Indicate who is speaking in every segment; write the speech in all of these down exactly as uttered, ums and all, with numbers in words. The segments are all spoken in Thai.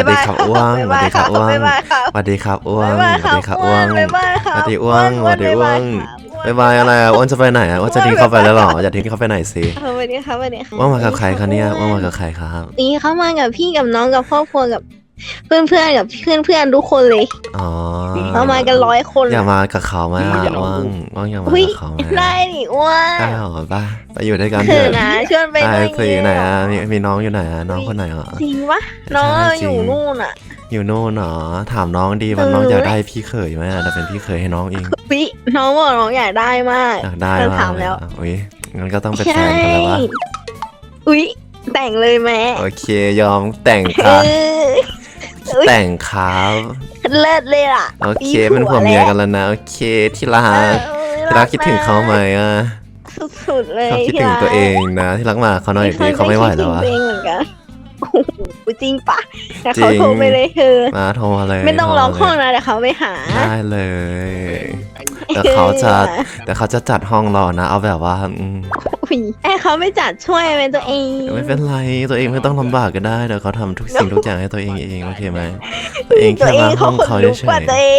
Speaker 1: สดีครับอ้วงสวัสดีครับอ้วง
Speaker 2: บ๊ายบายครับ
Speaker 1: สวัสดีครับอ้วง
Speaker 2: บ๊ายบาย
Speaker 1: สวัสดีครับอ้วง
Speaker 2: บ๊ายบายครับ
Speaker 1: สวัสดีอ้วงสวัสดีอ้วง
Speaker 2: บ๊ายบายครับ
Speaker 1: บายบายอะไรอ่ะอ้วนจะไปไหนอ่ะอ้วนจะทิ้งเขาไปแล้วเหรออย่าทิ้งเขาไปไหนสิ
Speaker 2: เออสวัสดีครับสวัสดีครับ
Speaker 1: อ้วนมากับใครคะเนี่ยอ้วนมากับใครครับ
Speaker 2: นี่เขามากับพี่กับน้องกับครอบครัวกับเพื่อนเพื่อนๆกับเพื่อนเพื่อนๆทุกคนเลย
Speaker 1: อ๋อ
Speaker 2: เขามากันร้อยคน
Speaker 1: อยากมากับเขาไหมอ่ะอ้วงอ้วงอยากมา
Speaker 2: อุ้ย
Speaker 1: กับเขาไหม
Speaker 2: ได้ดิอ้วน
Speaker 1: ได้เหรอป่ะไปอยู่ด้วยกันเถ
Speaker 2: เถิด
Speaker 1: อะ
Speaker 2: นะชวนไป
Speaker 1: ได้
Speaker 2: ด้วย
Speaker 1: สิไหนอ่ะมีมีน้องอยู่ไหนอ่ะน้องคนไหนอ่ะ
Speaker 2: จริงปะน้อง
Speaker 1: ใช่จริง
Speaker 2: อยู่นู่นอ่ะ
Speaker 1: อยู่โน่นเหรอถามน้องดีว่า
Speaker 2: เออ
Speaker 1: น้องอยากได้พี่เขยไหมอ่ะแต่เป็นพี่เขยให้น้องเอง
Speaker 2: วิน้องบอกน้องอยากได้มาก
Speaker 1: อยากได้
Speaker 2: เรา
Speaker 1: มาก
Speaker 2: ถาม
Speaker 1: เลย
Speaker 2: แล้ว
Speaker 1: อ่ะอุ้ยงั้นก็ต้องเป็นแฟนกันแล้ววะ
Speaker 2: อุ้ยแต่งเลยแม่
Speaker 1: โอเคยอมแต่ง
Speaker 2: เอ
Speaker 1: ค่ะ
Speaker 2: ออุ๊ย
Speaker 1: แต่งครับ
Speaker 2: เลิศเลยล่ะ
Speaker 1: โอเคเป็นผัวเมียกันแล้วนะโอเคที่รั
Speaker 2: เอก อ
Speaker 1: ที่รักคิดถึงเขาไหมอ่ะ
Speaker 2: สุดๆเลย
Speaker 1: เขาคิดถึงตัวเองนะที่รักมาเขาหน่อยดีเขาไม่ไหวแล้ว
Speaker 2: อะ
Speaker 1: อ่ะ
Speaker 2: คิดถึงตัวเองเหมือนกันโอ้โหจริงปะแต่
Speaker 1: จริ
Speaker 2: เขา
Speaker 1: ง
Speaker 2: โทรไปเลยเธอ
Speaker 1: มาโทรมาเลย
Speaker 2: ไม่ต้องร้อง
Speaker 1: โท
Speaker 2: ห้อง
Speaker 1: มาเลย
Speaker 2: นะแต่เขาไปหา
Speaker 1: ได้เลยแต่เขาจะแต่เขาจะจัดห้องรอนะ เอาแบบว่าอืม
Speaker 2: อุ้ยไอ้เขาไม่จัดช่วยเป็นตัวเอง
Speaker 1: ไม่เป็นไรตัวเองไม่ต้องลำบากก็ได้เดี๋ยวเขาทำทุกสิ่งทุกอย่างให้ตัวเองเองโอเคไหมตัวเอง
Speaker 2: ตัว
Speaker 1: แค่
Speaker 2: เอ
Speaker 1: มาง ห้
Speaker 2: เขา
Speaker 1: อง
Speaker 2: ขน
Speaker 1: เขา
Speaker 2: ลุก
Speaker 1: เฉ
Speaker 2: กว่าย ตัวเอง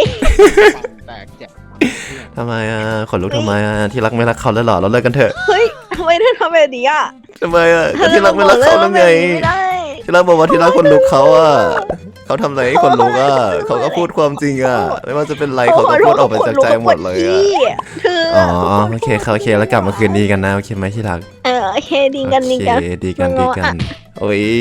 Speaker 1: ๆทำไมอ่ะขนลุกทำไมอ่ะที่รักไม่รักเขาแล้วเหรอเราเลิกกันเถอะ
Speaker 2: เฮ้ยทำไมเธอทำแบบนี้อ่ะ
Speaker 1: ทำไมอ่ะก็ที่รักไม่รักเขาแล้วไง
Speaker 2: ไม่ได้
Speaker 1: ที่รักบอกว่าที่รักคนลุกเขาอ่ะเขาทำอะไรให้คนลุกอ่ะเขาก็พูดความจริงอ่ะไม่ว่าจะเป็นไรเขาก็พูดออกมาจากใจหมดเลยอ่ะ
Speaker 2: เธอ
Speaker 1: อ๋อโอเคเขาโอเคแล้วกลับมาคืนดีกันนะโอเคไหมที่รัก
Speaker 2: เออโอเคดีกันดี
Speaker 1: โอ
Speaker 2: กัน
Speaker 1: เคดีกันดีกันโอ้ย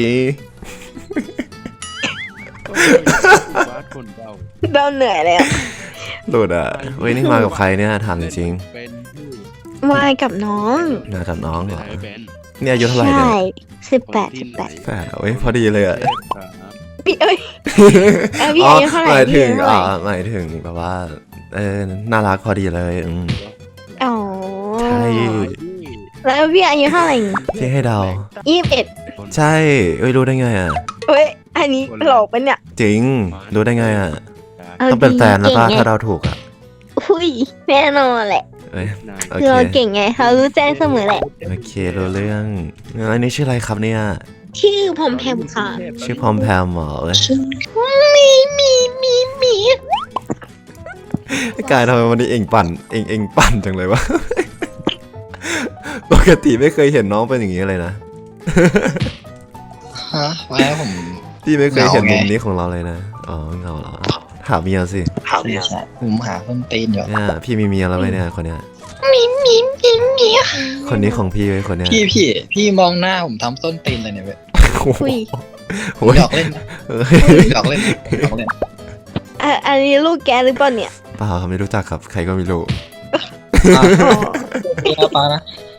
Speaker 2: เราเหนื่อยแล้ว
Speaker 1: หลุดอ่ะเว้ยนี่มากับใครเนี่ยถามจริง
Speaker 2: มากับน้อง
Speaker 1: ๆมากับน้องเหรอเนี่ยอายุเท่าไหร่
Speaker 2: ใช่
Speaker 1: เนี่ย
Speaker 2: สิบแปดสิบแปด
Speaker 1: แปดเว้ยพอดีเลยอ่ะ
Speaker 2: พี่เอ้ยเอ้ยพี่
Speaker 1: อ๋อ
Speaker 2: อายุเท่าไหร่
Speaker 1: หมายถึง
Speaker 2: พี่อายุ
Speaker 1: อ๋อ
Speaker 2: เท่าไหร่
Speaker 1: หมายถึงแบบว่าเออน่ารักพอดีเลยอืม
Speaker 2: อ๋อ
Speaker 1: ใช่
Speaker 2: แล้วพี่อายุเท่าไหร่
Speaker 1: ที่ให้เดา
Speaker 2: ยี่สิบเอ็ด
Speaker 1: ใช่เอ้ยรู้ได้ไงอ่ะ
Speaker 2: เฮ้ยอันนี้หลอกปะเนี่ย
Speaker 1: จริงรู้ได้ไงอ่ะ
Speaker 2: า
Speaker 1: ต้องเป็นแฟนแล้วป่ะ
Speaker 2: เก่งไง
Speaker 1: ถ้าเราถูกอ่ะ
Speaker 2: อุ้ยแน่นอนแหละ
Speaker 1: เอ้ยโอ
Speaker 2: คือ
Speaker 1: เค
Speaker 2: เราเก่งไงเขารู้แจ้งเสมอแหละ
Speaker 1: โอเครู้เรื่องงั้นอันนี้ชื่ออะไรครับเนี่ย
Speaker 2: ชื่อพอมแพมค่ะ
Speaker 1: ชื่อพอมแพมเหรอเอ้ย
Speaker 2: มีมีมีมี
Speaker 1: กายทำไมวันนี้เองปั่นเองเองปั่นจังเลยวะ ปกติไม่เคยเห็นน้องเป็นอย่างนี้เลยนะ
Speaker 3: ฮะแล้วผม
Speaker 1: พี่ไม่เคยเห็น
Speaker 3: เหงาไง
Speaker 1: มุมนี้ของเราเลยนะอ๋อเหงาเหรอถามเมียสิ
Speaker 3: ใช่ใช่ผมหาต้นตีนอยู่
Speaker 1: เนี่ยพี่มีเมียแล้วไหมเนี่ยคนเนี้ย
Speaker 2: มีมีมีมี
Speaker 1: คนนี้ของพี่ไว้ยคนเนี้ย
Speaker 3: พี่พี่พี่มองหน้าผมทำต้นตีนเลยเนี่ยเว้ย
Speaker 1: โอ้โห
Speaker 2: คุย
Speaker 1: โอ้ย
Speaker 3: หยอกเล่นนะ
Speaker 1: เอ้ย
Speaker 3: หยอกเล่นหยอกเล่น
Speaker 2: อ่ะอันนี้ลูกแกหรือเปล่าเนี่ย
Speaker 1: เปล่าครับไม่รู้จักครับใครก็ไม่รู้
Speaker 3: อ่ะพี่นะปานะ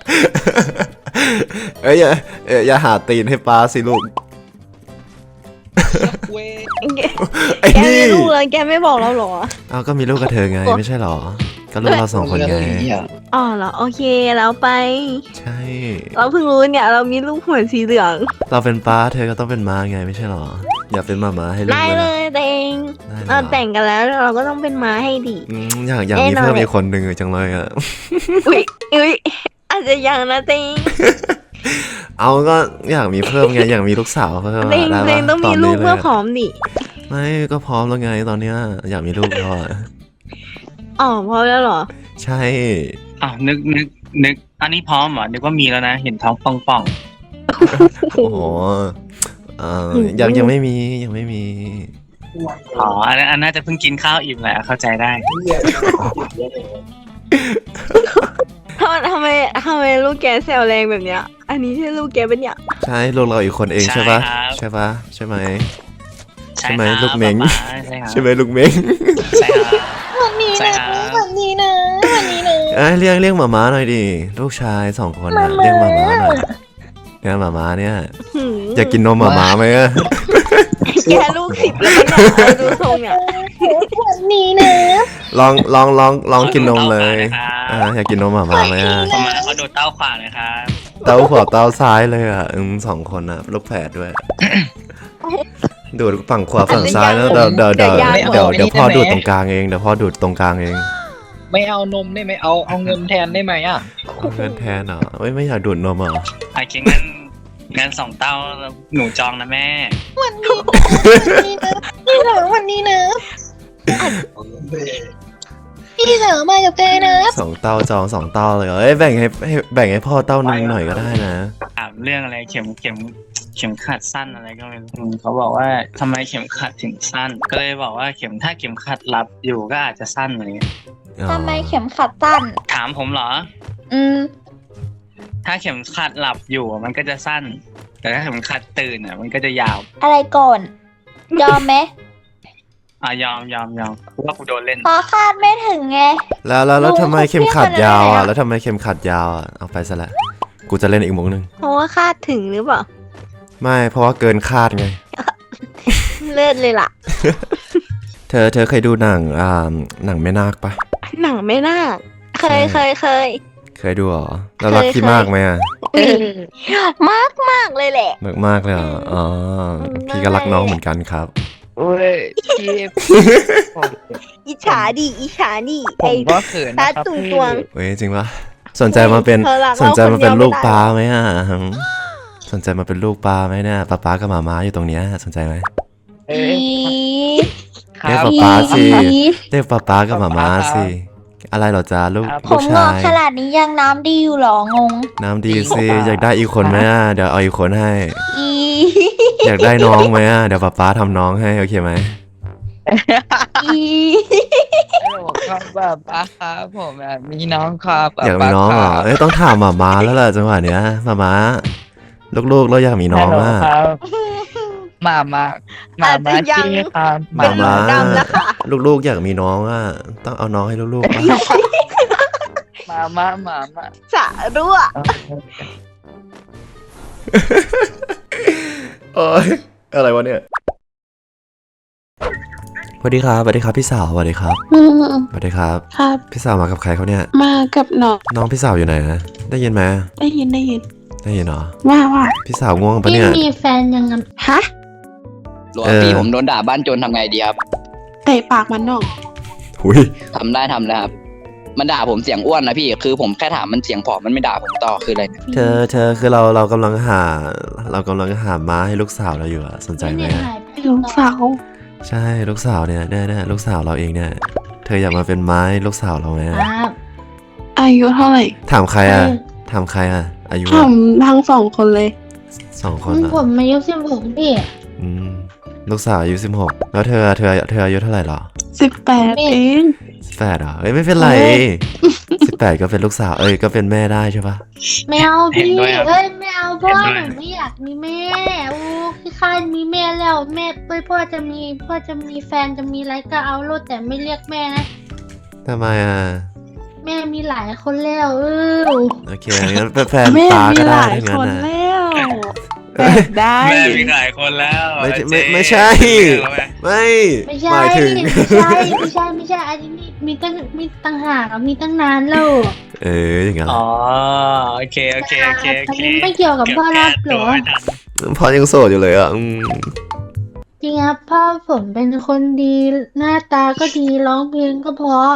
Speaker 1: เอ้ยอย่าเอ้ยอย่าหาตีนให้ป้าสิลูก
Speaker 3: เว้ย
Speaker 2: แก
Speaker 1: ไอ้
Speaker 2: แก
Speaker 1: นี่
Speaker 2: มีลูกแล้วแกไม่บอกเราเหรอ
Speaker 1: เอาก็มีลูกกับเธอไงไม่ใช่เหรอ ก็ลูกเราสองคนไง
Speaker 2: อ๋อเหรอโอเคแล้วไป
Speaker 1: ใช่
Speaker 2: เราเพิ่งรู้เนี่ยเรามีลูกหัวสีเหลือง
Speaker 1: เราเป็นป้าเธอก็ต้องเป็นม้าไงไม่ใช่เหรอ อย่าเป็นหมาม้าให้ลูก
Speaker 2: ได้
Speaker 1: เลย
Speaker 2: เล
Speaker 1: นะ
Speaker 2: ยแต่เอง
Speaker 1: ได้เลย
Speaker 2: เรา
Speaker 1: เหรอ
Speaker 2: แต่งกันแล้วเราก็ต้องเป็นม้าให้ดี
Speaker 1: อืมอยากอยาก
Speaker 2: แน่
Speaker 1: มี
Speaker 2: นอน
Speaker 1: เพิ่ม
Speaker 2: เลย
Speaker 1: อีกคนหนึ่งจังเลยอ่ะ
Speaker 2: อุ้ยอุ้ยอาจจะยังนะเต็ง
Speaker 1: เอาก็อยากมีเพิ่มไงอยากมีลูกสาวเพิ่ม
Speaker 2: เต็ง
Speaker 1: ได้
Speaker 2: เต็
Speaker 1: ปะ
Speaker 2: งต้อง
Speaker 1: ต
Speaker 2: มี
Speaker 1: น
Speaker 2: ลู
Speaker 1: นี้
Speaker 2: ก
Speaker 1: เล
Speaker 2: เมื่อย พร้อมดิ
Speaker 1: ไม่ก็พร้อมแล้วไงตอนเนี้ยอยากมีลูกแล้วอ่ะ
Speaker 2: อ๋อพร้อมแล้วเหรอ
Speaker 1: ใช่
Speaker 4: อ้าวนึกนึกนึกอันนี้พร้อมเหรอนึกว่ามีแล้วนะเห็นท้องป่องป่อง
Speaker 1: โอ้โหเอ่อยังยังไม่มียังไม่มี
Speaker 4: ๆอ๋ออันนั้นอันน่าจะเพิ่งกินข้าวอิ่มแหละเข้าใจได้
Speaker 2: ทำไมทำไมทำไมลูกแกแซวแรงแบบเนี้ย อันนี้ใช่ลูกแกเป็นเนี่ย
Speaker 1: ใช่ลูกเราอีกคนเองใช่ปะ
Speaker 4: ใช่ครับ
Speaker 1: ใช่ปะใช่ไหม
Speaker 4: ใช่
Speaker 1: ใช่ไหม
Speaker 4: ครับ
Speaker 1: ลูกเม้ง
Speaker 4: ป๊าป๊าใช่ครับ
Speaker 1: ใช่ไหมลูกเม้ง
Speaker 4: ใช่ครับ
Speaker 2: วันนี้
Speaker 4: ใช่
Speaker 2: นะครับ วันนี้นะวันนี้นะ
Speaker 1: เอ้ยเรียกเรียกหมาม้าหน่อยดิลูกชายสองคนนะเรียกหมาม้าหน่อยเนี่ยหมาม้าเนี่ย
Speaker 2: หืม
Speaker 1: อยากกินนมหมาม้าไหมอะ
Speaker 2: แกลูกสิบแล้วเนี่ยเอาดูทรงเนี่ยวันนี้นะ
Speaker 1: ลองลองลองลองกินนมเลย
Speaker 4: อา
Speaker 1: อ่าอยากกินนมหมาม้าไหมอะ
Speaker 4: ประมาณเขาดูเต้าขวาเลยครับ
Speaker 1: เต้าขวาเต้าซ้ายเลยอ่ะอืมสองคนอ่ะลูกแฝดด้วย ดูดฝั่งขวาฝั่งซ้ายแล้วเดี๋ยวเดี๋ยวเดี๋ยวเดี๋ยวเดี๋ยวพ่อดูดตรงกลางเองเดี๋ยวพ่อดูดตรงกลางเอง
Speaker 3: ไม่เอานมได้ไหมเอาเอาเงินแทนได้ไหมอ่ะ
Speaker 1: เอาเงินแทนเหรอเอ้ยไม่อยากดูดนมเหรอ
Speaker 4: โอเคงั้นงั้นสองเต้าหนูจองนะแม่
Speaker 2: พี่เหลือวันนี้นะพี่เหลือมากับแกนะ
Speaker 1: สองเต้าจองสองเต้าเลยเหรอเอ้ยแบ่งให้ให้แบ่งให้พ่อเต้าหนึงหน่อยก็ได้นะ
Speaker 4: ถามเรื่องอะไรเข็มเข็มเข็มขัดสั้นอะไรก็ไม่รู้อืมเขาบอกว่าทำไมเข็มขัดถึงสั้น ก็เลยบอกว่าเข็มถ้าเข็มขัดรับอยู่ก็อาจจะสั้นอะไรเงี้ย
Speaker 1: อ๋อ
Speaker 2: ทำไมเข็มขัดสั้น
Speaker 4: ถามผมเหรอ
Speaker 2: อืม
Speaker 4: ถ้าเข็มขัดหลับอยู่มันก็จะสั้น แต่ถ้าเข็มขัดตื่นอ่ะมันก็จะยาว
Speaker 5: อะไรก่อน ยอมไหม
Speaker 4: อ่ะยอมยอมยอมเพราะว่ากูโดนเล่น
Speaker 5: เพราะคาดไม่ถึงไง
Speaker 1: แล้วแล้วแล้ว
Speaker 5: ลุง
Speaker 1: ทำไมเข็มขัด
Speaker 5: เขาเรียก
Speaker 1: ยาว
Speaker 5: อะไร
Speaker 1: อ่ะ
Speaker 5: อะ
Speaker 1: แล้วทำไมเข็มขัดยาวอ่ะเอาไปซะละกูจะเล่นอีกมุกนึง
Speaker 2: เพราะว่าคาดถึงหรือเปล่า
Speaker 1: ไม่เพราะว่าเกินคาดไง
Speaker 2: เลิศเลยล่ะ
Speaker 1: เธอเธอเคยดูหนังอ่าหนังแม่นาคปะ
Speaker 2: หนังไม่น่าเคยเคยเคย
Speaker 1: เคยดูเหรอแล้วรัก
Speaker 2: เคย
Speaker 1: พี่
Speaker 2: เคย
Speaker 1: มากไหมอ่ะ
Speaker 2: มากมากเลยแหละ
Speaker 1: มากมากเลยเหรออ๋อพี่ก็รักน้องเหมือนกันครับ
Speaker 6: โอ้ยพี่ผม
Speaker 2: อิจฉาดิอิจฉาดิ
Speaker 6: ผ
Speaker 2: ไอ้
Speaker 6: มก็เขิน
Speaker 2: ตา
Speaker 6: นะครับ
Speaker 2: ตุง
Speaker 6: พี่
Speaker 2: ตวง
Speaker 1: เว้ยจริงปะสนใจมาเป็น
Speaker 2: เธอรัก
Speaker 1: สนใจมาเป็น
Speaker 2: เราคนเดียว
Speaker 1: ลูก
Speaker 2: ไม่ได้
Speaker 1: ปลาไหมอ่ะหืมสนใจมาเป็นลูกปลาไหมเนี่ยป้าป้ากับหมาม้าอยู่ตรงเนี้ยสนใจไหม
Speaker 6: เอ้
Speaker 5: อี
Speaker 6: ยค
Speaker 1: เรียก
Speaker 6: รับ
Speaker 1: ป๊าป๊าสิ
Speaker 5: อี
Speaker 1: เรียกป้าป้ากับหมาม้าสิ อะไรเหรอจ๊ะลูก
Speaker 6: ครับ
Speaker 5: ผ
Speaker 1: ลูก
Speaker 5: มง
Speaker 1: ชา
Speaker 5: อก
Speaker 1: ย
Speaker 5: ขนาดนี้ยังน้ำดีอยู่เหรองง
Speaker 1: น้ำดีสิอยากได้อีกคนไหมอ่ะเดี๋ยวเอาอีกคนให้
Speaker 5: อี
Speaker 1: อยากได้น้องไหมอ่ะเดี๋ยวป้าป้าทำน้องให้โอเคไหม
Speaker 5: อี
Speaker 6: ฮัลโหลครับแบบป้าครับผมแบบมีน้องครับแบบ
Speaker 1: อยากมีน้องเหรอ
Speaker 6: ป้าคบ
Speaker 1: เอ้ยต้องถามหมาม้าแล้วล่ะจังหวะเนี้ยหมาม้าลูกๆเราอยากมีน้อง
Speaker 6: ฮัลโหล
Speaker 1: อ่ะ
Speaker 6: ครับมามามา
Speaker 2: อาจ
Speaker 6: มา
Speaker 2: จะยัง
Speaker 6: จี้ครับ
Speaker 2: เป็
Speaker 6: มาน
Speaker 2: หนู
Speaker 6: มา
Speaker 2: ดำแล้วค่ะ
Speaker 1: ลูกๆอยากมีน้องอ่ะต้องเอาน้องให้ลูกๆปะ
Speaker 6: มามามามา
Speaker 2: สะรั่ว
Speaker 1: โอ้ยอะไรวะเนี่ยสวัสดีครับสวัสดีครับพี่สาวสวัสดีครับ
Speaker 7: อืม
Speaker 1: สวัสดีครับ
Speaker 7: ครับ
Speaker 1: พี่สาวมากับใครเขาเนี่ย
Speaker 7: มากับน้อง
Speaker 1: น้องพี่สาวอยู่ไหนนะได้ยินไหม
Speaker 7: ได้ยินได้ยิน
Speaker 1: ได้ยินเหรอ
Speaker 7: ว่าว่า
Speaker 1: พี่สาวง่วงปะ
Speaker 5: พี่
Speaker 1: เนี่ย
Speaker 5: มีแฟนยังไง
Speaker 7: ฮะ
Speaker 6: หลวง
Speaker 1: เออ
Speaker 6: พี่ผมโดนด่าบ้านโจรทำไงดีครับ
Speaker 7: เตะปากมันน้อง
Speaker 1: หุย
Speaker 6: ทำได้ทำนะครับ มันด่าผมเสียงอ้วนนะพี่ คือผมแค่ถามมันเสียงผอมมันไม่ด่าผมต่อคืออะไรเนี่ย
Speaker 1: เธอเธอคือเราเรากำลังหา เรากำลังหาม้าให้ลูกสาวเราอยู่อะสนใจไหมอะ
Speaker 7: ลูกสาว
Speaker 1: ใช่ลูกสาวเนี่ยเนี่ยเนี่ยลูกสาวเราเองเนี่ยเธออยากมาเป็นม้าให้ลูกสาวเราไหมอะ
Speaker 5: ครับ
Speaker 7: อายุเท่าไหร่
Speaker 1: ถามใครอะถามใครอะอายุ
Speaker 7: ถา
Speaker 1: อะ
Speaker 7: มทั้งสองคนเลย
Speaker 1: สองคนอะ
Speaker 5: ผมอายุสิบหกพี่
Speaker 1: อืมลูกสาวอายุสิบหกแล้วเธอเธอเธออายุเท่าไหร่หรอ
Speaker 7: สิบแปดเอง
Speaker 1: สิบแปดเหรอเอ้ยไม่เป็นไรสิบแปดก็เป็นลูกสาวเอ้ยก็เป็นแม่ได้ใช่ปะ
Speaker 5: ไม่เอา
Speaker 4: เห็น
Speaker 5: พี่
Speaker 4: ด้วยครับ
Speaker 5: เอ้ยไม่เอาเพราะว่า
Speaker 4: เห็นด้วย
Speaker 5: หนูไม่อยากมีแม่โอ้พี่ข้านมีแม่แล้วแม่เอ้ยพ่อจะมีพ่อจะมีแฟนจะมีอะไรก็เอาโลดแต่ไม่เรียกแม่นะ
Speaker 1: ทำไมอ่ะ
Speaker 5: แม่มีหลายคนแล้วเออ
Speaker 1: โอเคงั้นเป็นแฟน
Speaker 7: แม่
Speaker 1: ตา
Speaker 7: มี
Speaker 1: ก็
Speaker 7: ห
Speaker 1: ได้
Speaker 7: ลาย
Speaker 1: ทั้ง
Speaker 7: ค
Speaker 1: นั้น
Speaker 7: น
Speaker 1: นะ
Speaker 7: แล้วแบ
Speaker 1: เอ้ย
Speaker 7: บได้
Speaker 4: แม่มีหลายคนแล้ว
Speaker 1: ไม่ใช่
Speaker 4: เจ๊
Speaker 1: ไม่ไม่ใช่ ไม่
Speaker 5: ไม่ใช่
Speaker 1: หมายถึง
Speaker 5: ไม่ใช่ไม่ใช่ไม่ใช่อันนี้มีมีตั้งมีตั้งหากอะมีตั้งนานแล้ว
Speaker 1: เอออย่างเงี้ย
Speaker 4: อ๋อโอเคโอเคโอเคโอ
Speaker 5: อัน
Speaker 4: เค
Speaker 5: นี้ไม่เกี่ยวกับพ่อรับเหรอ
Speaker 1: พอยังโสดอยู่เลยอ่ะอืม
Speaker 5: จริงครับพ่อผมเป็นคนดีหน้าตาก็ดีร้องเพลงก็เพราะ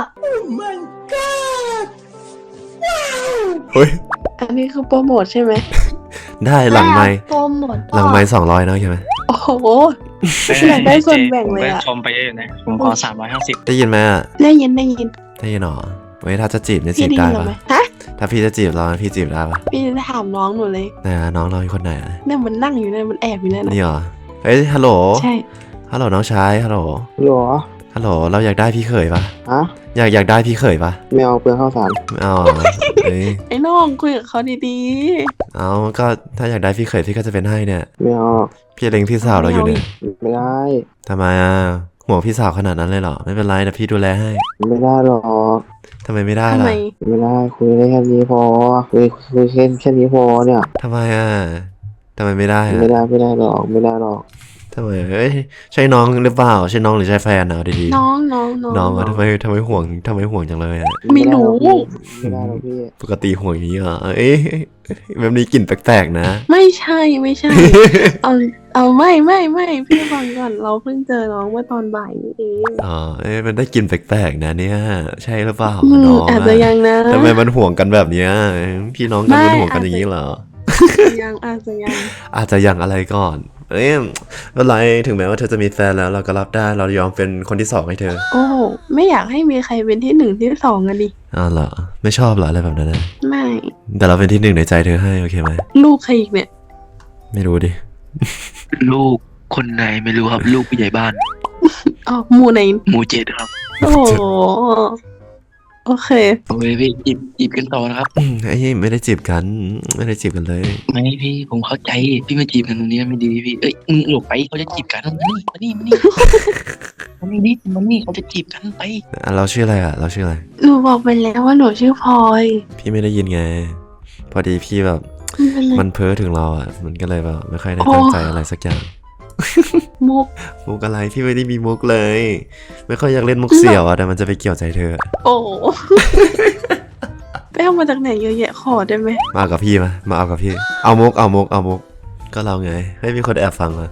Speaker 1: เฮ้ย
Speaker 7: อันนี้คือโปรโมทใช่ไหม
Speaker 1: ได้หลังไม้
Speaker 5: โปรโมท
Speaker 1: หลังไม้สองร้อยนะโอเคไหม
Speaker 7: โอ้โห อยากได้ส่วนแบ่งเลยอะ
Speaker 4: ผมก็ชมไปเยอะอยู่นะผมขอสามร้อยห้าสิบ
Speaker 1: ได้ยินไหมอ่ะ
Speaker 7: ได้ยินได้ยิน
Speaker 1: ได้ยินหรอเว้ยถ้าจะจีบเนี่ยจี
Speaker 7: พี่
Speaker 1: บ
Speaker 7: ได้
Speaker 1: ได้
Speaker 7: ยินหรอ
Speaker 1: ปะ
Speaker 7: ไหมฮะ
Speaker 1: ถ้าพี่จะจีบเราพี่จีบได้ปะ
Speaker 7: พี่จะถามน้องหนูเลย
Speaker 1: ไหนอะน้องเราอยู่คนไหนอะ
Speaker 7: เนี่ยมันนั่งอยู่เนี่ยมันแอบอยู่เนี่ยนะ
Speaker 1: นี่เหรอเฮ้ยฮัลโหล
Speaker 7: ใช่
Speaker 1: ฮัลโหลน้องชายฮัลโหล
Speaker 8: หรอ
Speaker 1: ฮัลโหลเราอยากได้พี่เขยปะ
Speaker 8: ฮะ
Speaker 1: อยากอยากได้พี่เขยปะ
Speaker 8: ไม่เอาเปลืองข้าวสาร
Speaker 1: ไม่เอาอะเอ้ย
Speaker 7: ไอ้น้องคุยกับเขาดี
Speaker 1: เอาก็ถ้าอยากได้พี่เขยพี่ก็จะเป็นให้เนี่ย
Speaker 8: ไม่เอา
Speaker 1: พี่เล็งพี่สาวเราอยู่เนี่ย
Speaker 8: ไม่ได้
Speaker 1: ทำไมอ่ะห่วงพี่สาวขนาดนั้นเลยเหรอไม่เป็นไรนะพี่ดูแลให้
Speaker 8: ไม่ได้หรอก
Speaker 1: ทำไมไม่
Speaker 7: ๆ
Speaker 1: ได้
Speaker 7: ทำ
Speaker 1: ล่ะ
Speaker 7: ไม
Speaker 8: ไม่ได้คุยได้แค่นี้พอคุยคุยแค่แค่นี้พอเนี่ย
Speaker 1: ทำไมอ่ะทำไมไม่ได้อ่ะ
Speaker 8: ไม่ได้ไม่ได้หรอกไม่ได้หรอก
Speaker 1: ทำไมเอ้ยใช่น้องหรือเปล่าใช่น้องหรือใช่แฟนเอาดี
Speaker 7: น้องน้องน้อง
Speaker 1: ๆน้องอ่ะทำไมทำไมห่วงทำไมห่วงจังเลยอ่ะ
Speaker 7: ไม่รู้
Speaker 8: ไม่ได้หรอกพี่
Speaker 1: ปกติห่วงอย่างนี้เหรอเอ้ยแบบนี้กลิ่นแปลกๆนะ
Speaker 7: ไม่ใช่ไม่ใช่ เอาเอาไม่ไม่ไม่พี่ฟังก่อนเราเพิ่งเจอน้องเมื่อตอนบ่ายนี่เอง
Speaker 1: อ๋อเอ้ยมันได้กลิ่นแปลกๆนะเนี่ยใช่หรือเปล่า
Speaker 7: อืม
Speaker 1: น้อง
Speaker 7: อาจจะยังนะ
Speaker 1: ทำไมมันห่วงกันแบบเนี้ยพี่น้องกัน
Speaker 7: ไม่
Speaker 1: มันห่วงกันอย่างนี้เหรอ
Speaker 7: ยังอาจจะยัง
Speaker 1: อาจจะยังอะไรก่อน เอ้ยไม่เป็นไรถึงแม้ว่าเธอจะมีแฟนแล้วเราก็รับได้เรายอมเป็นคนที่สองให้เธอ
Speaker 7: โอ้โหไม่อยากให้มีใครเป็นที่หนึ่งที่สองกันดิ
Speaker 1: อ้าวเหรอไม่ชอบเหรออะไรแบบนั้นนะ
Speaker 7: ไม่
Speaker 1: แต่เราเป็นที่หนึ่งในใจเธอให้โอเคไหม
Speaker 7: ลูกใครอีกเนี่ย
Speaker 1: ไม่รู้ดิ
Speaker 9: ลูกคนไหนไม่รู้ครับ ลูกผู้ใหญ่บ้าน
Speaker 7: อ๋อหมู่ไหน
Speaker 9: หมู่เจ็ดครับ
Speaker 7: โอ้โหโอเค
Speaker 9: โอเคพี่จีบจีบกันต่อนะครับ
Speaker 1: อืมไอ้ยไม่ได้จีบกัน ไม่ได้จีบกันเลย
Speaker 9: ไม่พี่ผมเข้าใจพี่มาจีบกันตรงนี้ไม่ดีพี่เอ้ยมึงหลบไปเขาจะจีบกันมานี่มานี่มานี่มานี่ดิมานี่เขาจะจีบกันไป
Speaker 1: อ่ะเราชื่ออะไรอ่ะ เราชื่ออะไร
Speaker 7: หนูบอกไปแล้วว่าหนูชื่อพลอย
Speaker 1: พี่ไม่ได้ยินไง พอดีพี่แบบ
Speaker 7: ไม่เป็นไร
Speaker 1: มันเพ้อถึงเราอ่ะ มันก็เลยแบบไม่ค่อยได้
Speaker 7: โอ้
Speaker 1: ตั้งใจอะไรสักอย่าง
Speaker 7: มุก
Speaker 1: มุกอะไรพี่ไม่ได้มีมุกเลย ไม่ค่อยอยากเล่นมุกเสี่ยวอ่ะแต่มันจะไปเกี่ยวใจเธอ
Speaker 7: โอ้โหไปเอามาจากไหนเยอะแยะขอได้ไหม
Speaker 1: มาเอากับพี่มามาเอากับพี่ เอามุกเอามุกเอามุกก็เราไงให้มีคนแอบฟังมา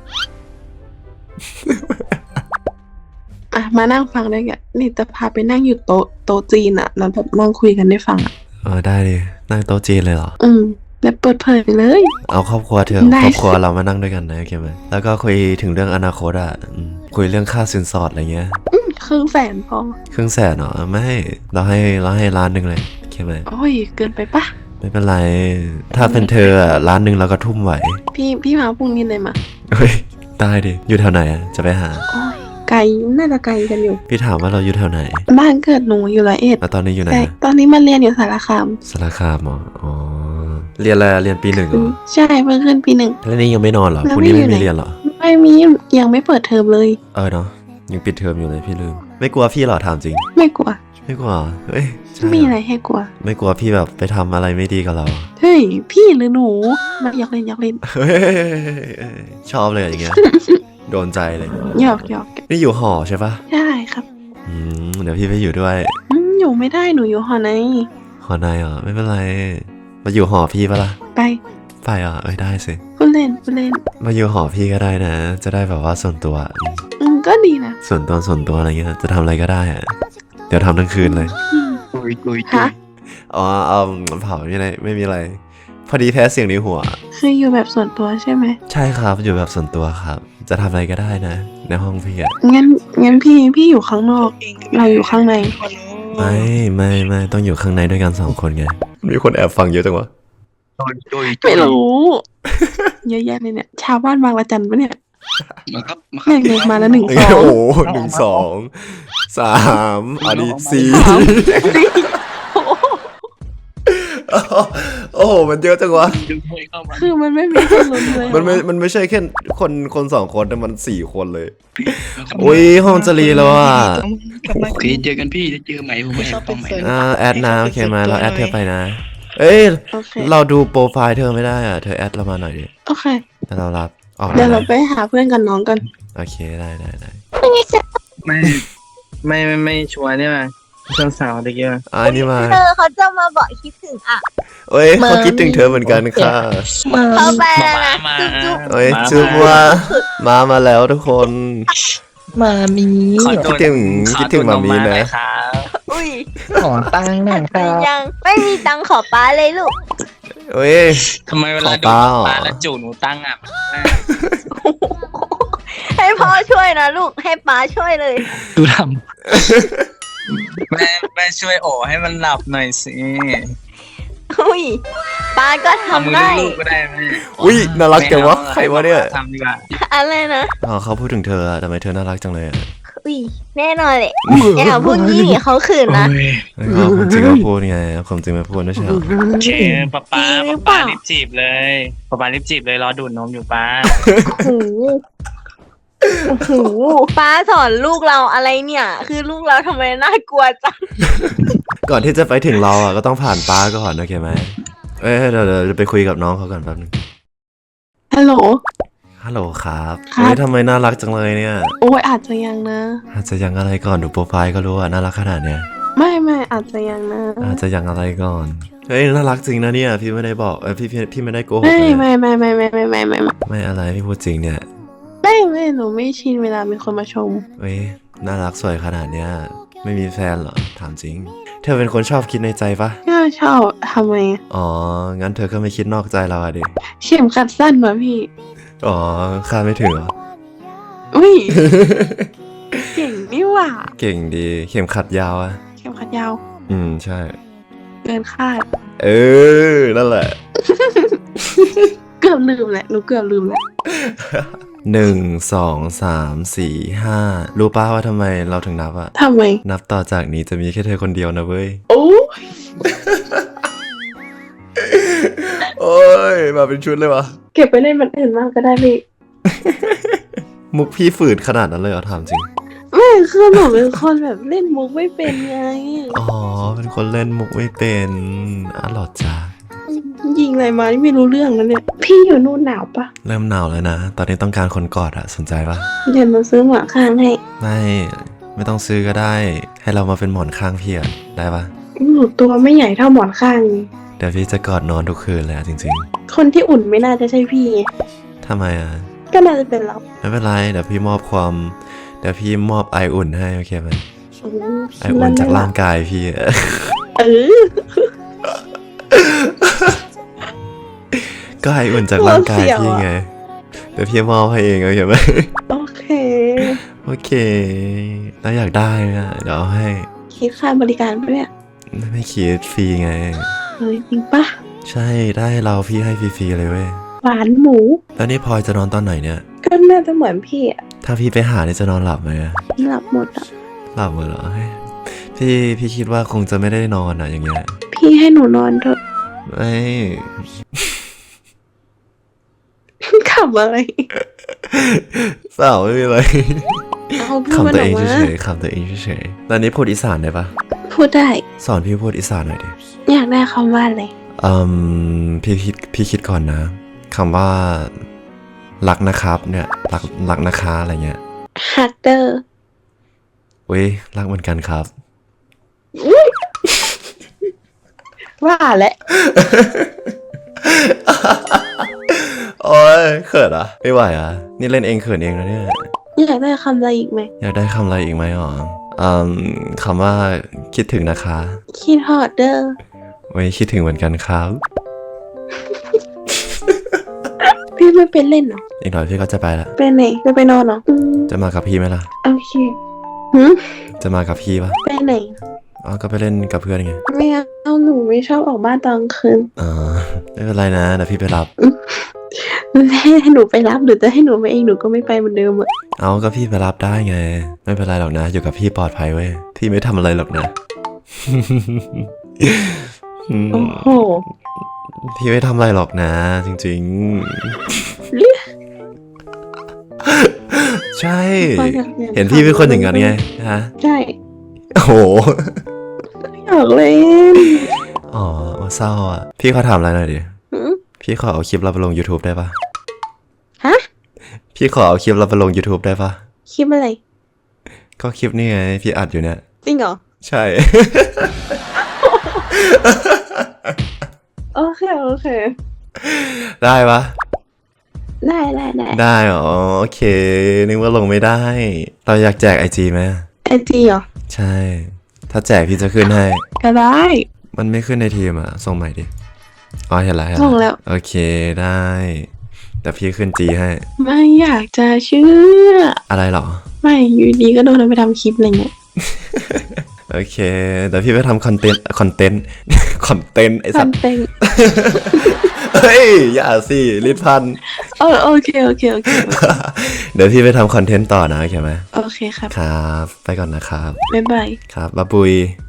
Speaker 7: อ่ะมานั่งฟังได้แกนี่จะพาไปนั่งอยู่โต๊ะโต๊ะจีนอ่ะแล้วแบบนั่งคุยกันได้ฟังอ่ะ
Speaker 1: เออได้ดินั่งโต๊ะจีนเลยเหรอ
Speaker 7: อืมแล้วเปิดเผยเลย
Speaker 1: เอาครอบครัวเธอ
Speaker 7: ได้
Speaker 1: ครอบครัวเรามานั่งด้วยกันนะโอเคไหมแล้วก็คุยถึงเรื่องอนาคตอ่ะอืมคุยเรื่องค่าสินสอดอะไรเงี้ย
Speaker 7: อืมครึ่งแสนพอ
Speaker 1: ครึ่งแสนเหรอไม่เราให้เราให้ล้านหนึ่งเลยโอเคไหม
Speaker 7: โอ้ยเกินไปปะ
Speaker 1: ไม่เป็นไร ถ้าเป็นเธออ่ะล้านหนึ่งเราก็ทุ่มไหว
Speaker 7: พี่พี่มาพรุ่งนี้เลยมา
Speaker 1: เฮ้ยได้ดิอยู่แถวไหนอ่ะจะไปหา
Speaker 7: โอ้ยไกลน่าจะไกลกันอยู่
Speaker 1: พี่ถามว่าเราอยู่แถวไหน
Speaker 7: บ้านเกิดหนูอยู่ร้อยเอ็ด
Speaker 1: แล้วตอนนี้อยู่ไหน
Speaker 7: แต่
Speaker 1: อะ
Speaker 7: ตอนนี้มาเรียนอยู่สารคาม
Speaker 1: สารคามเหรออ๋อเรียนอะไรอะเรียนปีหนึ่งเหรอ
Speaker 7: ใช่เพิ่งขึ้นปีหนึ่ง
Speaker 1: แล้วนี่ยังไม่นอนเหรอ
Speaker 7: แล้ว
Speaker 1: พรุ่งนี้
Speaker 7: ไม่
Speaker 1: ไม่
Speaker 7: อยู่ไหน
Speaker 1: มีเรียนเหรอ
Speaker 7: ไม่ไม่มียังไม่เปิดเทอมเลย
Speaker 1: เออเนาะยังปิดเทอมอยู่เลยพี่ลืมไม่กลัวพี่เหรอถามจริง
Speaker 7: ไม่กลัว
Speaker 1: ไม่กลัวเฮ้ยใช่
Speaker 7: ไม่มีอะไรให้กลัว
Speaker 1: ไม่กลัวพี่แบบไปทำอะไรไม่ดีกับเรา
Speaker 7: เฮ้ยพี่หรือหนูมาอยากเล่นอยากเล่น
Speaker 1: เฮ้ยชอบเลยอย่างเงี้ยโดนใจเลย
Speaker 7: หยอกหยอก
Speaker 1: นี่อยู่หอใช่ปะ
Speaker 7: ได้ครับ
Speaker 1: อืมเดี๋ยวพี่ไปอยู่ด้วย
Speaker 7: อืมอยู่ไม่ได้หนูอยู่หอใน
Speaker 1: หอในเหรอไม่เป็นไรมาอยู่หอพี่ปะล่ะ
Speaker 7: ไป
Speaker 1: ไปเหรอเอ้ยได้สิ
Speaker 7: พูดเล่นพูดเล่น
Speaker 1: มาอยู่หอพี่ก็ได้นะ จะได้แบบว่าส่วนตัวอืม
Speaker 7: อืมก็ดีนะ
Speaker 1: ส่วนตัวส่วนตัวอะไรเงี้ยจะทำอะไรก็ได้อะเดี๋ยวทำทั้งคืนเลย
Speaker 7: อืม
Speaker 9: ตุยตุย
Speaker 7: ฮะ
Speaker 1: อ๋อเอาเผาไม่ได้ไม่มีอะไร พอดีแพ้เสียงในหัว
Speaker 7: คืออยู่แบบส่วนตัวใช่ไหม
Speaker 1: ใช่ครับอยู่แบบส่วนตัวครับ จะทำอะไรก็ได้นะ ในห้องพี่อะ
Speaker 7: งั้นงั้นพี่พี่อยู่ข้างนอก เราอยู่ข้างใน
Speaker 1: ไม่ไม่ไม่ต้องอยู่ข้างในด้วยกันสองคนไงมีคนแอบฟังเยอะจังวะ
Speaker 9: ตุยตุย
Speaker 7: ไม่รู้ เยอะแยะเลยเนี่ย ชาวบ้านบางละจันปะเนี่ย
Speaker 9: มาครับมาค
Speaker 7: แม่
Speaker 9: รับ
Speaker 7: งเลยมาแล้วหนึ่ง
Speaker 1: โอ้
Speaker 7: สอง
Speaker 1: โหหนึ่งสองสามอันนี้สี่ โอ้โหมันเยอะจังวะ
Speaker 9: ดึงให้เข้ามา
Speaker 7: คือมันไม่มีคนลุ้นเลย
Speaker 1: มันไม่มันไม่ใช่แค่คนคนสองคนแต่มันสี่คนเลยอุ้ยห้องจะรีแล้วอ่ะ
Speaker 9: โอเคเจอกันพี่จะเจอใหม่ผมไม่แอบต้องใหม่นะ
Speaker 1: อ่าแอดนะโอเคมาเราแอดเธอไปนะ เอ้ย
Speaker 7: โอเค
Speaker 1: เราดูโปรไฟล์เธอไม่ได้อ่ะเธอแอดเรามาหน่อยดิ
Speaker 7: โอเค
Speaker 1: แต่เรารับออก
Speaker 7: เดี๋ยว
Speaker 1: ได้
Speaker 7: เราไปหาเพื่อนกับน้องกัน
Speaker 1: โอเคได้ได้ได้
Speaker 4: ไม่ไม่ไม่ไม่ชัวร์เนี่ยมั้ยเพื่อนสาวตะกี้มั้ย
Speaker 1: อ่านี่มา
Speaker 2: เธอเขาจะมาบอกคิดถึงอ่ะ
Speaker 1: เอ้ยเขาคิดถึงเธอเหมือนกันค่ะ
Speaker 2: เขาไปแล้วนะ
Speaker 4: มา
Speaker 2: จุ๊บจุ๊บ
Speaker 1: เอ้ยจุ๊บว่ามามาแล้วทุกคน
Speaker 3: มามี
Speaker 4: ขอโด
Speaker 1: คิดถึง
Speaker 4: ขอ
Speaker 1: คิดถึง
Speaker 4: โน
Speaker 1: มามี
Speaker 4: หอย
Speaker 1: นะ
Speaker 4: ครับ
Speaker 2: อุ้ย
Speaker 3: ขอตังค์หน่อยค
Speaker 2: เป็
Speaker 3: รั
Speaker 2: น
Speaker 3: บ
Speaker 2: ยังไม่มีตังค์ขอป้าเลยลูก
Speaker 1: เอ้ย
Speaker 4: ทำไมเวลา
Speaker 1: ขอ
Speaker 4: ดู
Speaker 1: ป้า
Speaker 4: ปลาแล้วจูหนูตั้งอ่ะ
Speaker 2: ให้พ่อช่วยนะลูกให้ป้าช่วยเลย
Speaker 3: ดูท
Speaker 4: แม่แม่ช่วยโอให้มันหลับหน่อยสิ
Speaker 2: อุ้ยป้าก็
Speaker 4: เอามือ
Speaker 2: ทำได้
Speaker 4: ลูกๆก็ได้แม่
Speaker 1: อุ้ยน่ารักจังวะ
Speaker 4: ไม่อา
Speaker 1: ใครวะเนี่ย
Speaker 4: ทำดีกว่า
Speaker 2: อะไรนะ
Speaker 1: อ๋อเขาพูดถึงเธออะทำไมเธอน่ารักจังเลยอะ
Speaker 2: อุ้ยแน่นอนเลยอย่าพูดงี้ดิเขาขืน
Speaker 9: โอ้
Speaker 2: นะ
Speaker 9: ย
Speaker 1: เฮ้ยเอาความจริงมาพูดไงเอาความจริงมาพูดนะเชียว
Speaker 4: เชป้าป้า
Speaker 2: จริงหรือเป
Speaker 4: ป้า
Speaker 2: ล่า
Speaker 4: รีบจีบเลยป้าป้ารีบจีบเลยรอดูดนมอยู่ป้า
Speaker 2: โอ้โหโอ้โหป้าสอนลูกเราอะไรเนี่ย คือลูกเราทำไมน่ากลัวจัง
Speaker 1: ก่อนที่จะไปถึงเราอ่ะก็ต้องผ่านป้าก่อนโอเคไหมเอ้ยเดี๋ยวเดี๋ยวเดี๋ยวไปคุยกับน้องเขาก่อนแป๊บนึง
Speaker 7: ฮัลโหล
Speaker 1: ฮัลโหลครับ
Speaker 7: ครับ
Speaker 1: เฮ้ยทำไมน่ารักจังเลยเนี่ย
Speaker 7: โอ้ยอาจจะยังนะ
Speaker 1: อาจจะยังอะไรก่อนดูโปรไฟล์ก็รู้ว่าน่ารักขนาดเนี้ย
Speaker 7: ไม่ไม่อาจจะยังนะ
Speaker 1: อาจจะยังอะไรก่อนเฮ้ยน่ารักจริงนะเนี่ยพี่ไม่ได้บอกเออพี่พี่พี่ไม่ได้โกหก
Speaker 7: ไม่
Speaker 1: เลย
Speaker 7: ไม่ไม่ไม่ไม่ไม่ไม่ไม่ไม่
Speaker 1: ไม่อะไรพี่พูดจริงเนี่ย
Speaker 7: ไม่ไม่หนูไม่ชินเวลามีคนมาชม
Speaker 1: เฮ้ยน่ารักสวยขนาดเนี้ยไม่มีแฟนเหรอถามจริง เธอเป็นคนชอบคิดในใจปะ
Speaker 7: ก็ชอบทำไม
Speaker 1: อ๋องั้นเธอก็ไม่คิดนอกใจเราอะดิ
Speaker 7: เข็มขัดสั้นมาพี่
Speaker 1: อ๋อคาดไม่ถึงเหรอ
Speaker 7: อุ้ย เก่งนี่หว่า
Speaker 1: เก่งดีเข็มขัดยาวอะ
Speaker 7: เข็มขัดยาว
Speaker 1: อืมใช่
Speaker 7: เกินคาด
Speaker 1: เออนั่นแหละ
Speaker 7: เกือบลืมแหละ หนูเกือบลืมแหละ
Speaker 1: หนึ่งสองสามสี่ห้ารู้ป้าว่าทำไมเราถึงนับอะ
Speaker 7: ทำไม
Speaker 1: นับต่อจากนี้จะมีแค่เธอคนเดียวนะเว้ย
Speaker 7: โอ้
Speaker 1: โอ้ยมาเป็นชุดเลยวะ
Speaker 7: เก็บไปเล่นมันอื่นมากก็ได้พี่
Speaker 1: มุกพี่ฝืดขนาดนั้นเลยเหรอถามจริง
Speaker 7: ไม่คือหนูเป็นคนแบบเล่นมุกไม่เป็นไง
Speaker 1: อ๋อเป็นคนเล่นมุกไม่เป็นอ๋อเหรอจ้า
Speaker 7: ยิงอะไรมานี่ไม่รู้เรื่องแล้วเนี่ย พี่อยู่นู่นหนาวปะ
Speaker 1: เริ่มหนาวแล้วนะ ตอนนี้ต้องการคนกอดอะสนใจปะ
Speaker 7: เดี๋ยวหนูซื้อหมอนข้างให้
Speaker 1: ไม่ไม่ต้องซื้อก็ได้ ให้เรามาเป็นหมอนข้างพี่อะได้ปะ
Speaker 7: หนูตัวไม่ใหญ่เท่าหมอนข้างนี่
Speaker 1: เดี๋ยวพี่จะกอดนอนทุกคืนเลยอะจริง
Speaker 7: คนที่อุ่นไม่น่าจะใช่พี่
Speaker 1: ๆทำไมอะ
Speaker 7: ก็น่าจะเป็นเรา
Speaker 1: ไม่เป็นไรเดี๋ยวพี่มอบความเดี๋ยวพี่มอบไออุ่นให้โอเคไหม
Speaker 7: อืม
Speaker 1: ไออุ่นจากร่างกายพี่อะ
Speaker 7: เออ
Speaker 1: ก็ไออุ่นจากร่างกายพี่ไงเดี๋ยวพี่มอบให้เองโอเคไหม
Speaker 7: โอเค
Speaker 1: โอเคแล้วอยากได้อะเดี๋ยวเอาให้
Speaker 7: คิดค่าบริการปะเนี่ย
Speaker 1: ไม่คิดฟรีไง
Speaker 7: เฮ้ยจริงปะ
Speaker 1: ใช่ได้เราพี่ให้ฟรีๆเลยเว้ย
Speaker 7: หวานหมู
Speaker 1: แล้วนี่พลอยจะนอนตอนไหนเนี่ย
Speaker 7: ก็น่าจะเหมือนพี่อะ
Speaker 1: ถ้าพี่ไปหานี่จะนอนหลับไหมอะ
Speaker 7: หลับหมดอะ
Speaker 1: หลับเหรอเฮ้ยพี่พี่คิดว่าคงจะไม่ได้นอนอะอย่างเงี้ย
Speaker 7: พี่ให้หนูนอนเถอะ
Speaker 1: ไม่
Speaker 7: ขำำอะไร
Speaker 1: เปล่าไม่มีอะไร
Speaker 7: เอาพูดมัน
Speaker 1: ขำตัว
Speaker 7: ออ
Speaker 1: เอก ง
Speaker 7: มา
Speaker 1: เฉยๆขำตัวเองเฉยๆตอนนี้พูดอีสานได้ปะ
Speaker 7: พูดได้
Speaker 1: สอนพี่พูดอีสานหน่อยดิ
Speaker 7: อยากได้คำว่าอะไร
Speaker 1: อืมพี่คิดพี่คิดก่อนนะคำว่ารักนะครับเนี่ยรักรักนะคะอะไรเงี้ย
Speaker 7: ฮักเดอร์
Speaker 1: เว้ยรักเหมือนกันครับ
Speaker 7: ว่าแหละ
Speaker 1: โอ้ยเขินอ่ะไม่ไหวอ่ะนี่เล่นเองเขินเองนะเนี่ย
Speaker 7: อยากได้คำอะไรอีกไหม
Speaker 1: อยากได้คำอะไรอีกไหมอ๋ออืมคำว่าคิดถึงนะคะ
Speaker 7: คิดฮอดเดอร์
Speaker 1: เว้ยคิดถึงเหมือนกันครับ
Speaker 7: พี่ไม่เป็นเล่นเหรอ
Speaker 1: อีกหน่อยพี่ก็จะไปละ
Speaker 7: ไปไหนจะไปนอนเหรออืม
Speaker 1: จะมากับพี่ไหมล่ะ
Speaker 7: โอเคหืม
Speaker 1: จะมากับพี่ปะ
Speaker 7: ไปไหน
Speaker 1: อ๋อก็ไปเล่นกับเพื่อนไง
Speaker 7: ไม่เอาหนูไม่ชอบออกบ้านตอนกลางคืน
Speaker 1: อ๋อไม่เป็นไรนะเดี๋ยวพี่ไปรับ
Speaker 7: ให้หนูไปรับหรือจะให้หนูไปเองหนูก็ไม่ไปเหมือนเดิมอะ
Speaker 1: เอาก็พี่ไปรับได้ไง ไม่เป็นไรหรอกนะ อยู่กับพี่ปลอดภัยเว้ยพี่ไม่ทำอะไรหรอกนะ อืม
Speaker 7: โอ้โห
Speaker 1: พี่ไม่ทำอะไรหรอกนะ จริงๆ ใช่ เห็นพี่เป็นคนอย่างนั้นไงฮะ
Speaker 7: ใช่
Speaker 1: โอ้โห
Speaker 7: อยากเล่น
Speaker 1: อ๋อเศร้าอ่ะ พี่ขอถามอะไรหน่อยดิ
Speaker 7: หืม
Speaker 1: พี่ขอเอาคลิปเราไปลง YouTube ได้ปะ
Speaker 7: ฮะ
Speaker 1: พี่ขอเอาคลิปเราไปลง YouTube ได้ปะ
Speaker 7: คลิปอะไร
Speaker 1: ก็คลิปนี่ไงพี่อัดอยู่เนี่ย
Speaker 7: จริงเหรอ
Speaker 1: ใช่
Speaker 7: โอเคโอเค
Speaker 1: ได้ปะ
Speaker 7: ได้ได้ได้
Speaker 1: ได้เหรอโอเค นึกว่าลงไม่ได้ เราอยากแจกไอจีไหม
Speaker 7: ไอจีเหรอ
Speaker 1: ใช่ ถ้าแจกพี่จะขึ้นให้
Speaker 7: ก็ได้
Speaker 1: มันไม่ขึ้นในทีมอ่ะ ส่งใหม่ดิ อ๋อเห็นแล้วเห็น
Speaker 7: ส่งแล้ว
Speaker 1: โอเคได้ แต่พี่ขึ้นจีให้
Speaker 7: ไม่อยากจะเชื่อ
Speaker 1: อะไรเหรอ
Speaker 7: ไม่อยู่ดีก็โดนเอาไปทำคลิปอะไรเงี้ย
Speaker 1: โอเคเดี๋ยวพี่ไปทำคอนเทนต์คอนเทนต์ คอนเทนต์ไอ
Speaker 7: ฟั
Speaker 1: สัต
Speaker 7: น
Speaker 1: ว์
Speaker 7: เต็ง
Speaker 1: เฮ้ย อย่าสิลิดพัน
Speaker 7: เออโอเคโอเคโอเค
Speaker 1: เดี๋ยวพี่ไปทำคอนเทนต์ต่อนะโอเคไหม
Speaker 7: โอเคครับ
Speaker 1: ครับ ไปก่อนนะครับ
Speaker 7: บ๊ายบาย
Speaker 1: ครับบ๊ายบุย